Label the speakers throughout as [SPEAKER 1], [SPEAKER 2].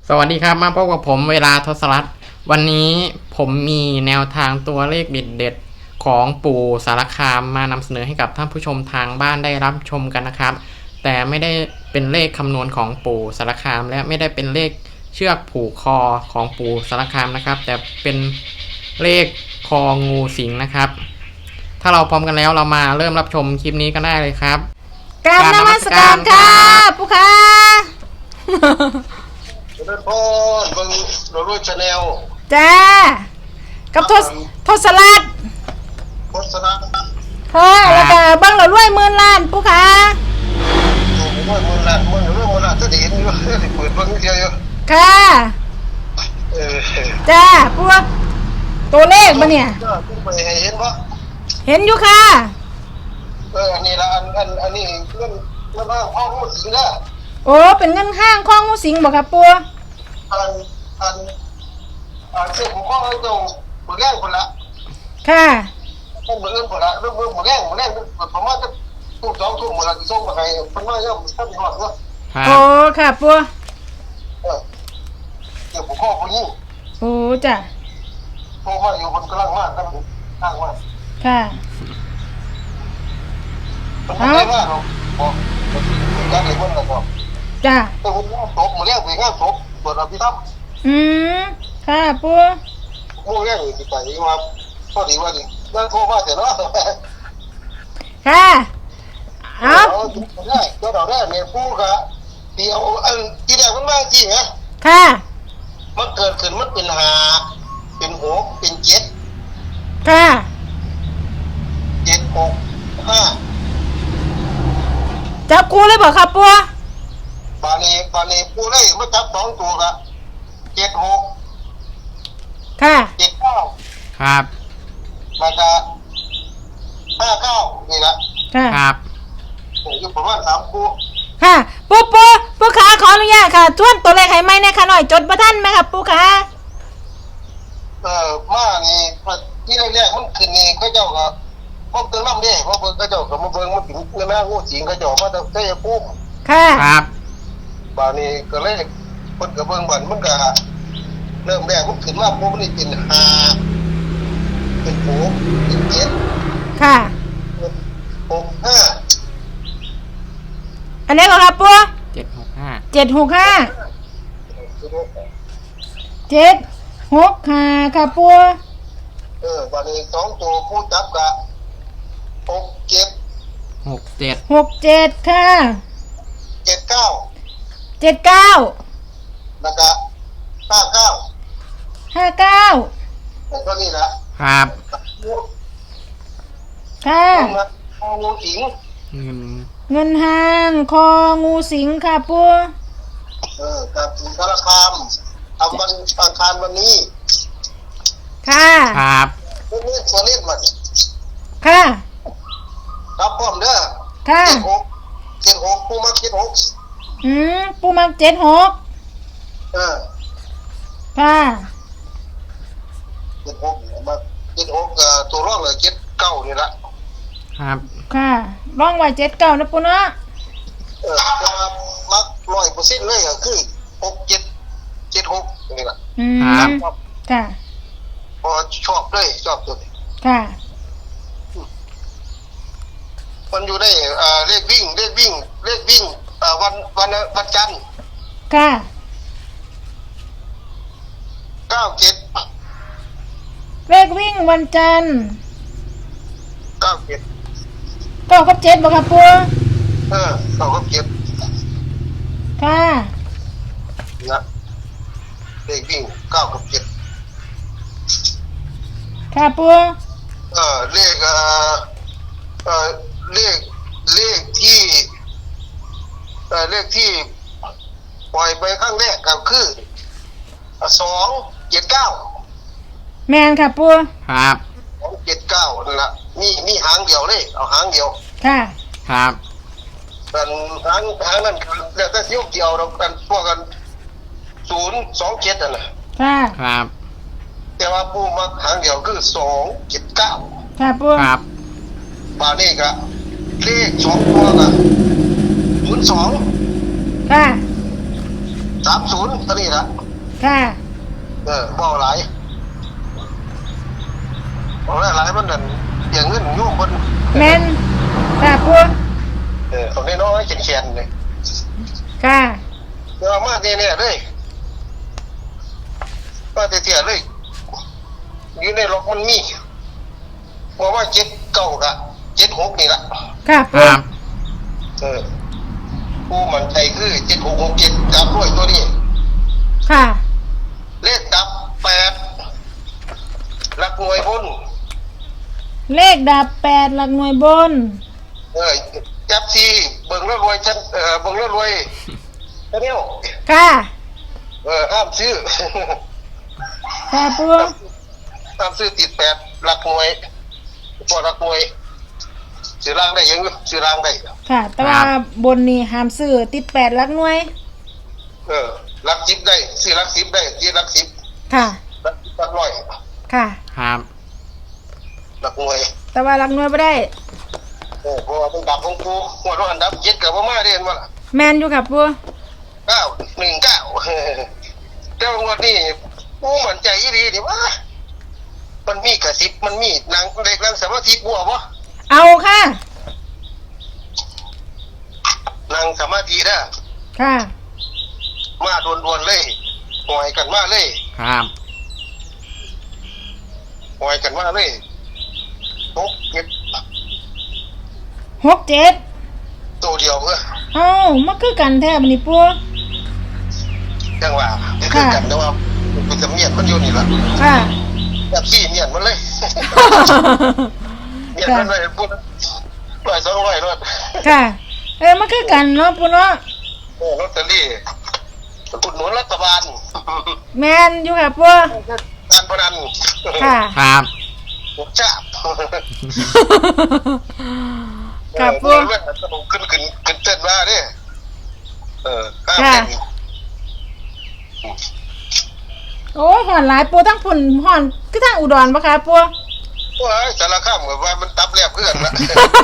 [SPEAKER 1] สวัสดีครับมาพบกับผมเวลาทศรัตน์วันนี้ผมมีแนวทางตัวเลขเด็ดๆของปู่สารคามมานำเสนอให้กับท่านผู้ชมทางบ้านได้รับชมกันนะครับแต่ไม่ได้เป็นเลขคำนวณของปู่สารคามและไม่ได้เป็นเลขเชือกผูกคอของปู่สารคามนะครับแต่เป็นเลขคองูสิงนะครับถ้าเราพร้อมกันแล้วเรามาเริ่มรับชมคลิปนี้กันได้เลยครับ
[SPEAKER 2] กราบนมัสการค่ะผู้ค้า
[SPEAKER 3] เดินพอเบิ่งเราด้วยชาแนล
[SPEAKER 2] จ้ากับทศรัตน์
[SPEAKER 3] โฆษณา
[SPEAKER 2] ค่ะแล้วก็เบิ้งเรารวย10,000,000ผู้ค้า
[SPEAKER 3] ผมว่ามันละมันเรื่องมันละจะได้เห็นอยู่เปิดเบิ่งเดียวอยู่
[SPEAKER 2] ค่ะจ้าพวกตัวเลขมาเนี่ย
[SPEAKER 3] ไปเห็นบ่
[SPEAKER 2] เห็นอยู่ค่ะ
[SPEAKER 3] อันนี้ละอันนี้เรื่องห้างห้องมันสิงละ
[SPEAKER 2] โอ้เป็นเงินห้างของงูสิงบอกครับปัว
[SPEAKER 3] เสื้อผมก็ตรงมือแรกคนละ
[SPEAKER 2] ค่ะ
[SPEAKER 3] ต้องมืออื่นคนละเรื่องมือแรกผมว่าจะทุ่ม2 ทุ่มหมดละส่งมาให้มันว่าย่อมท่านหอดว่า
[SPEAKER 2] โอ้ค่ะปัว
[SPEAKER 3] เดี๋ยวผมข้อผู้ยิ่ง
[SPEAKER 2] โอ้จ้ะ
[SPEAKER 3] โทรมาอยู่บนกำลังมากครับข้างมาก
[SPEAKER 2] ค่ะ
[SPEAKER 3] มันไม่ได้ว่าเราบอกการเด็กมันนะครับ
[SPEAKER 2] จ้ะ
[SPEAKER 3] แต่ผมว่าศพมาเรียกไปงานศพเปิดอภิธรรม
[SPEAKER 2] ค่ะปัว
[SPEAKER 3] มู่เรียกไปมาพอดีว่าดินั่นโทรมาเสร็จแล้ว
[SPEAKER 2] ค่ะ
[SPEAKER 3] เอาได้ก็เราได้เนี่ยผู้กะเดียวที่แรกมันมาจริงนะ
[SPEAKER 2] ค่ะ
[SPEAKER 3] มันเกิดขึ้นมันเป็น5เป็น6เป็น7
[SPEAKER 2] ค่ะ
[SPEAKER 3] 7 6 5
[SPEAKER 2] จับกูเลยบอกครับปัว
[SPEAKER 3] บานีผู้ได้มาจับ2 ตัวกะ7 6
[SPEAKER 2] ค่ะ
[SPEAKER 3] 7 9
[SPEAKER 1] ครับ
[SPEAKER 3] แล้วก็5 9นี่ละ
[SPEAKER 2] ค่ะ
[SPEAKER 1] ครับ
[SPEAKER 3] อยู่ประมาณ3 คู่
[SPEAKER 2] ค่ะปูขาขออนุญาตค่ะทวนตัวเลขให้ไหมนะคะหน่อยจดประท่านไหมครับปูขา
[SPEAKER 3] มานี่ที่แรกๆมันขึ้นนี่เขาเจ้าก็พบตึงน้ำเด้เพราะเขาเจ้าก็มาเบิ่งมาถึงแม่งูสิงเขาเจ้ามาแต่ชัยภูมิ
[SPEAKER 2] ค่ะ
[SPEAKER 1] ครับ
[SPEAKER 3] บาดนี้ก็เลยเพิ่นก็เบิ่งบัดมันก็เริ่มแรกมันขึ้นมาปุ๊บมันเป็น5เป็น6เป็น7
[SPEAKER 2] ค่ะ
[SPEAKER 3] 6 5
[SPEAKER 2] อันนี้ก็ครับปัว
[SPEAKER 1] 765
[SPEAKER 2] 765ค่ะปัว
[SPEAKER 3] บาดนี้2 ตัวผู้จับก็6 7
[SPEAKER 2] 67ค่ะ
[SPEAKER 3] 7 9
[SPEAKER 2] 79
[SPEAKER 3] แล้วก็59
[SPEAKER 2] 59
[SPEAKER 3] เท่านี้ละ
[SPEAKER 1] ครับ
[SPEAKER 2] ค่ะ
[SPEAKER 3] งูสิง
[SPEAKER 2] เงินห้างคองูสิงค่ะปัว
[SPEAKER 3] กับสารคามทำวันอังคารวันนี้
[SPEAKER 2] ค่ะ
[SPEAKER 1] ครับ
[SPEAKER 3] นี่ตัวเลขมัน
[SPEAKER 2] ค่ะ
[SPEAKER 3] ครับพร้อมเด้อ
[SPEAKER 2] ค่ะ
[SPEAKER 3] 76ผู้มา76
[SPEAKER 2] ปูมัก76ค่ะ
[SPEAKER 3] 76มา76ตัวรองเลย79นี่ละ
[SPEAKER 1] ครับ
[SPEAKER 2] ค่ะร่องไว้79นะปูเนาะ
[SPEAKER 3] จะมัก100%เลยก็คือ67 76นี่ล่ะ
[SPEAKER 1] ครับ
[SPEAKER 2] ค่ะ
[SPEAKER 3] พอชอบเลยชอบตัวนี้
[SPEAKER 2] ค่ะ
[SPEAKER 3] มันอยู่ได้เลขวิ่งวันจันทร์
[SPEAKER 2] ค่ะ
[SPEAKER 3] 97
[SPEAKER 2] เลขวิ่งวันจันทร์
[SPEAKER 3] 97
[SPEAKER 2] 9 กับ 7บ่ครับปัว
[SPEAKER 3] 9 กับ 7
[SPEAKER 2] ค่ะ
[SPEAKER 3] นะเลขวิ่ง9 กับ 7
[SPEAKER 2] ค่ะปัว
[SPEAKER 3] เลขเลขที่ปล่อยไปครั้งแรกก็คือ279
[SPEAKER 2] แมนค่ะปัว
[SPEAKER 1] ครับ
[SPEAKER 3] 279นั่นละมีหางเดียวเลยเอาหางเดียว
[SPEAKER 2] ค่ะ
[SPEAKER 1] ครับ
[SPEAKER 3] กันหางนั้นแล้วก็เสี้ยวเดียวเรากันพวกกัน027นั่นน่ะ
[SPEAKER 2] ค่ะ
[SPEAKER 1] ครับ
[SPEAKER 3] แต่ว่าผู้มาหางเดียวคือ279
[SPEAKER 2] ค่ะปัว
[SPEAKER 1] ครับ
[SPEAKER 3] บานี้ก็เลข2 ตัวก็02
[SPEAKER 2] ค่ะ
[SPEAKER 3] 30ตัวนี้ละ
[SPEAKER 2] ค่ะ
[SPEAKER 3] บ่หลายบ่หลายมันนั่นอย่างเงินโยมเพิ่น
[SPEAKER 2] แม่นค่ะปู
[SPEAKER 3] เอาน้อยๆเขียนๆเลย
[SPEAKER 2] ค่ะ
[SPEAKER 3] เดี๋ยวมาเนี่ยเลยมาเตี้ยๆเลยอยู่ในล็อกมันมีบอกว่า79กับ76นี่ละ
[SPEAKER 2] ค่ะ
[SPEAKER 1] ค
[SPEAKER 2] ปู
[SPEAKER 1] รับ
[SPEAKER 3] ผู้มันใจคือ7667จับด้วยตัวนี้
[SPEAKER 2] ค่ะ
[SPEAKER 3] เลขดับ8หลักหน่วยบน
[SPEAKER 2] เลขดับ8หลักหน่วยบน
[SPEAKER 3] จับซีเบิ่งแล้วรวยฉันเบิ่งแล้วรวยแค่นี้
[SPEAKER 2] ค่ะ
[SPEAKER 3] ห้ามซื้อ
[SPEAKER 2] ค่ะปู
[SPEAKER 3] ห้ามซื้อติด8หลักหน่วยพอหลักหน่วยซื้อรางได้ยังซื้อรางได้
[SPEAKER 2] ค่ะ แต่ว่าบนนี่ห้ามซื้อติด8หลักหน่วย
[SPEAKER 3] หลัก10ได้ซื้อหลัก10ได้ที่หลัก10
[SPEAKER 2] ค่ะ
[SPEAKER 3] หลักร้อย
[SPEAKER 2] ค่ะ
[SPEAKER 1] ครับ
[SPEAKER 3] หลักหน่วย
[SPEAKER 2] แต่ว่าหลักหน่วยบ่ได้
[SPEAKER 3] เพราะว่าเป็นดับของกูหัวร้อนดับ7กับบ่มาเรียนว่า
[SPEAKER 2] แม่นอยู่ค่ะปู
[SPEAKER 3] 919แต่ว่างวดนี้กูมั่นใจอีหลีนี่ว่ามันมีกระสิบมันมีนางเด็กนางสมาธิบัวบ่
[SPEAKER 2] เอาค่ะ
[SPEAKER 3] นางสมาธิเด้อ
[SPEAKER 2] ค่ะ
[SPEAKER 3] มาด่วนๆเลยหอยกันมาเลย
[SPEAKER 1] ครับ
[SPEAKER 3] หอยกันมาเลยตกเก็บ
[SPEAKER 2] 67
[SPEAKER 3] ตัวเดียวเพื่อ
[SPEAKER 2] เอ้ามันคือกันแท้บัดนี้ปู
[SPEAKER 3] จังหวะนี่คือกันแต่ว่ามันจะเมียนมันอยู่นี่ล่ะ
[SPEAKER 2] ค่ะ
[SPEAKER 3] แบบซี่เมียนมันเลยเมียนมันเลยพูด100-200รถ
[SPEAKER 2] ค่ะ มันคือกันเนาะปูเนาะ
[SPEAKER 3] ลอตเตอรี่อุดหนุนรัฐบาล
[SPEAKER 2] แม่นอยู่ค่ะปู
[SPEAKER 3] การพนัน
[SPEAKER 2] ค่ะ
[SPEAKER 1] ครับ
[SPEAKER 3] จ้าบ
[SPEAKER 2] ค่ะปู
[SPEAKER 3] เรื่องสนุกขึ้นเต้นว่าเนี่ยห้าม
[SPEAKER 2] ค่ะ
[SPEAKER 3] เต้น
[SPEAKER 2] โอ้ยห่อนหลายปูทั้งพุ่นห่อนคือทางอุดรปะคะปู
[SPEAKER 3] ว่าสารข้ามกับว่ามันตับแลบเพื่อนละ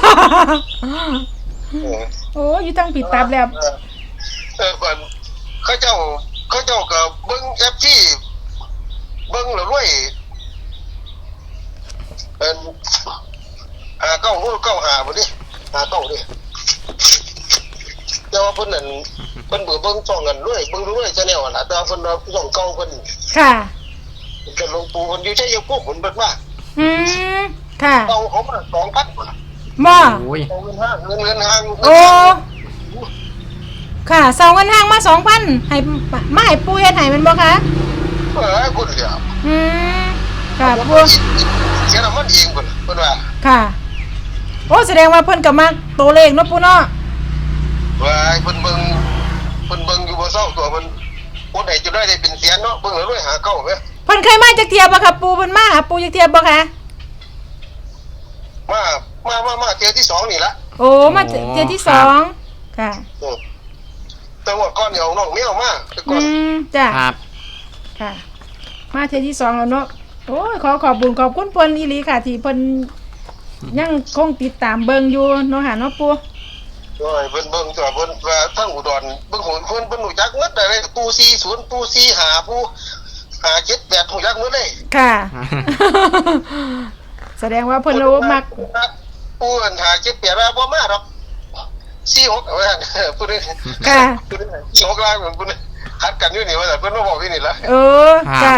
[SPEAKER 2] โอ้ยอยู่ทั้งผิดตับแล้ว
[SPEAKER 3] ก่อนเขาเจ้ากับเบิ้งแอปที่เบิ้งแล้วด้วยหาเก้าหูเก้าหาบ่ดิหาเก้าดิแต่ว่าเพิ่นนั่นเพิ่นเบิ่งช่องกันด้วยเบิ่งด้วยชาแนลน่ะแต่ว่าเพิ่นเอาช่องเก่าเพิ่น
[SPEAKER 2] ค่ะ
[SPEAKER 3] จะลงปูเพิ่นอยู่ใช้ยาปุ๊บเพิ่นเบิดว่า
[SPEAKER 2] อืมค่ะ
[SPEAKER 3] เก่าเขามา2,000
[SPEAKER 2] บ่
[SPEAKER 1] โอ้ย
[SPEAKER 3] เอาเงินห้าง
[SPEAKER 2] โอ้ค่ะเสาเงินห้างมา 2,000ให้มาให้ปูเฮ็ดให้แมันบ่คะ
[SPEAKER 3] คุณเดียว
[SPEAKER 2] อืมค่ะปู
[SPEAKER 3] เสียน้ำมันเองเพิ่นว่า
[SPEAKER 2] ค่ะ โอ้แสดงว่าเพิ่นก็มักตัวเลขเนาะปูเนาะ
[SPEAKER 3] ว่าเพิ่นเบิ่งอยู่บ่เศร้าตัวเพิ่นคนไหนจะได้เป็นเสียนเนาะเบิ่งแล้วด้วยหาเก้าแม่
[SPEAKER 2] เพิ่นเคยมาจักเที่ยบ่คะปูเพิ่นมาหาปูจักเที่ยบ่คะ
[SPEAKER 3] มาเที่ยวที่2นี่ละ
[SPEAKER 2] โอ้มาเที่ยที่สองค่ะ
[SPEAKER 3] แต่ว่าก่อนเดี๋ยวน้องแมวมาแต่ก่
[SPEAKER 2] อื
[SPEAKER 3] อน
[SPEAKER 2] มจ้ะ
[SPEAKER 1] ครับ
[SPEAKER 2] ค่ะ มาเที่ยที่2แล้วเนาะโอ้ยขอบคุณเพิ่นอีหลีค่ะ ที่เพิ่นยังคงติดตามเบิ่งอยู่เนาะค่ะเนาะปู
[SPEAKER 3] โอ้ยเพิ่นเบิ่งตัวเพิ่นว่าทั้งอุดรเบิ่งหูเพิ่นรู้จักหมดได้ปู40ปู45ปู58รู้จักหมดเลย
[SPEAKER 2] ค่ะ แสดงว่าเพิ่นรู้มัก
[SPEAKER 3] ปูอัน57ว่าบ่มาดอก46ว่าพูดได้
[SPEAKER 2] ค่ะ
[SPEAKER 3] พูดได้46ล้านพูดได้คัดกันอยู่นี่ว่าแต่เพิ่นมาบอกอยู่นี่ล่ะ
[SPEAKER 2] เออจ้ะ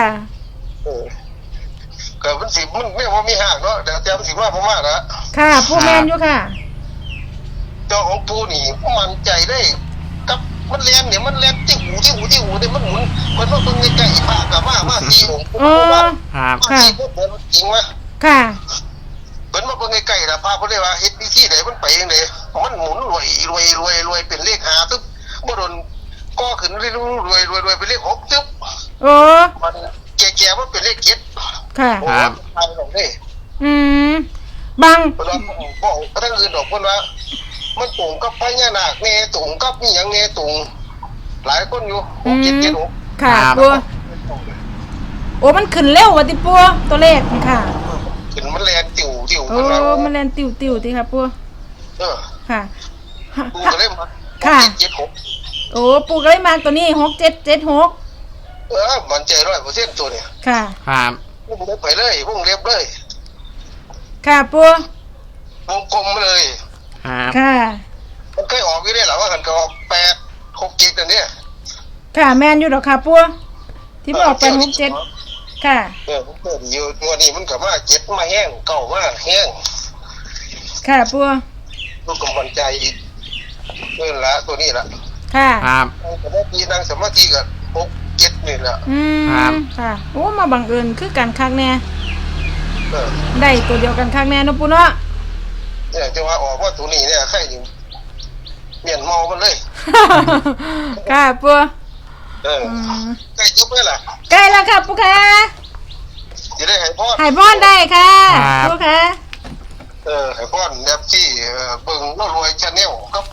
[SPEAKER 3] ก็มันสิมันไม่ว่ามีห้างเนาะเดี๋ยวมันสิมาบ่มาละ
[SPEAKER 2] ค่ะผู้แมนอยู่ค่ะ
[SPEAKER 3] เจ้าของปูนี่มันใจได้กับมันแล่นเนี่ยมันแล่นที่หูเนี่ยมันหมุนมันว่าเบิ่งใกล้ๆพระก็มา4องค์
[SPEAKER 2] อ๋อ
[SPEAKER 1] ครับ
[SPEAKER 3] ค่ะเพิ่นจริงว่า
[SPEAKER 2] ค่ะ
[SPEAKER 3] เพิ่นมาเบิ่งใกล้ๆล่ะพระเพิ่นเลยว่าเฮ็ดวิธีใดมันไปจังได๋มันหมุนรวยเป็นเลข5ตึ๊บบ่โดนก็ขึ้นเรื่อยๆเป็นเลข6ตึ๊บ
[SPEAKER 2] โอ้
[SPEAKER 3] มันแก่ๆมันเป็นเลข7
[SPEAKER 2] ค่ะ
[SPEAKER 1] ครับ
[SPEAKER 3] ตายลงเด้
[SPEAKER 2] อืมบาง
[SPEAKER 3] เพิ่นว่าบอกทั้งอื่นดอกเพิ่นว่ามันตรงกับพญานาคแน่ตรงกับอีหยังแน่ตรงหลายคนอยู่
[SPEAKER 2] อืม
[SPEAKER 3] 6
[SPEAKER 2] ค่ะ
[SPEAKER 1] ครับ
[SPEAKER 2] ปัวโอ้มันขึ้นเร็วว่ะติปัวตัวเลขค่ะ
[SPEAKER 3] ขึ้นมันแลนติ๋ว
[SPEAKER 2] โอ้
[SPEAKER 3] เพิ่นว่า
[SPEAKER 2] มันแลนติวติค่ะปัว
[SPEAKER 3] เออ
[SPEAKER 2] ค่ะ
[SPEAKER 3] กูก็เลยมา
[SPEAKER 2] ค่ะ
[SPEAKER 3] 7 6
[SPEAKER 2] โอ้ปูก็เลยมาตัวนี้6776
[SPEAKER 3] มันใจ100%ตัวเนี่ย
[SPEAKER 2] ค่ะ
[SPEAKER 1] ครับ
[SPEAKER 3] วงเล็บไปเลยวงเล็บเลย
[SPEAKER 2] ค่ะปู
[SPEAKER 3] วงกลมเลย
[SPEAKER 1] ครับ
[SPEAKER 2] ค่ะ
[SPEAKER 3] มันเคยออกอยู่ได้หรอว่ากันก็ออก8 6 7อันเนี้ย
[SPEAKER 2] ค่ะแมนอยู่ดอกค่ะปูที่มันออกไป67ค่ะ
[SPEAKER 3] อยู่ตัวนี้มันก็มา7มาแห้งเก่ามาแห้ง
[SPEAKER 2] ค่ะปู
[SPEAKER 3] ลูกกำลังใจอีกละตัวนี้ละ
[SPEAKER 2] ค่ะ
[SPEAKER 1] ครับ
[SPEAKER 3] สมาธินั่งสมาธิก็6 7นี่แหละ
[SPEAKER 1] ครับ
[SPEAKER 2] ค่ะโอ้มาบังเอิญคือกันคักแน่
[SPEAKER 3] เออ
[SPEAKER 2] ได้ตัวเดียวกันคักแน่เนาะปูเนาะ
[SPEAKER 3] เนี่ยจะว่าออกว่าตัวนี้เนี่ยใครอยู่เมียนเมามันเลย
[SPEAKER 2] ค่ะปู
[SPEAKER 3] เออ
[SPEAKER 2] อืม
[SPEAKER 3] ใกล้จบเลยล่ะ
[SPEAKER 2] ใกล้แล้วค่ะปูค่ะ
[SPEAKER 3] จะได้ให้พ่อ
[SPEAKER 2] หายบ้อนได้ค่ะปูค่ะ
[SPEAKER 3] ให้พ่อแบบที่เบิ่งแล้วรวยชาแนลครับ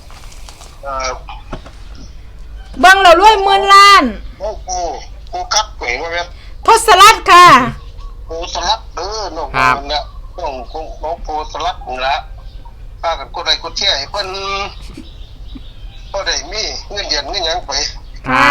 [SPEAKER 2] เบิ่งเรารวยหมื่นล้าน
[SPEAKER 3] กูคัดเห็นว่าแม่
[SPEAKER 2] ทศรัตน์ค่ะ
[SPEAKER 3] กูสลัดน้องมันเนี่ยน้องกูสลัดนี่ละพากันกดไลค์กดแชร์ให้เพิ่นก็ได้มีเงินเดือนเงินหยังไป
[SPEAKER 2] ค่ะ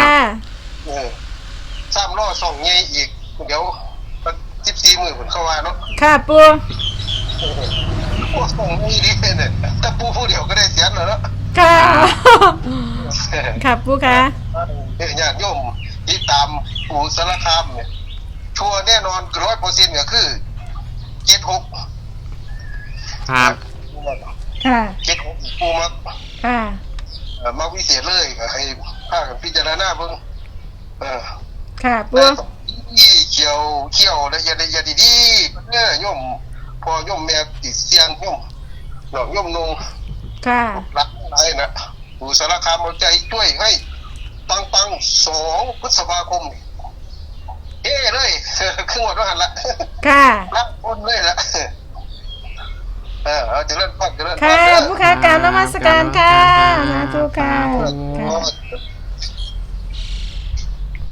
[SPEAKER 3] 3ล้อส่องใหญ่อีกเดี๋ยว14มื้อเพิ่นเข้าว่าเนาะ
[SPEAKER 2] ค่ะปู
[SPEAKER 3] โอ้ส่องนี่ดิเนี่ยถ้าปูผู้เดียวก็ได้เสียนแล้วเนาะ
[SPEAKER 2] ค่ะค่ะปูค่ะ
[SPEAKER 3] ญาติโยมที่ตามปู่สารคามเนี่ยชัวร์แน่นอน100%ก็คือ76
[SPEAKER 1] ครับ
[SPEAKER 2] ค่ะ
[SPEAKER 3] 76ปูมา
[SPEAKER 2] ค่ะ
[SPEAKER 3] มาวิเศษเลยก็ให้พากันพิจารณาเบิ่ง
[SPEAKER 2] ค่ะปู
[SPEAKER 3] ที่เขียวละเอียดดีๆเนี่ยโยมพอโยมแม่ติดเสียงโยมน้องโยมนุ่ง
[SPEAKER 2] ค่ะ
[SPEAKER 3] รักหลายนะปู่สารคามเอาใจช่วยให้ปัง2 พฤษภาคมเฮ้เลยครึ่งวันแล้วหันละ
[SPEAKER 2] ค่ะ
[SPEAKER 3] รับคนเลยละเอาเจริญพร
[SPEAKER 2] ค่ะผู้ค้ากรารนมัสการค่ะสาธุค่ะ
[SPEAKER 3] ก็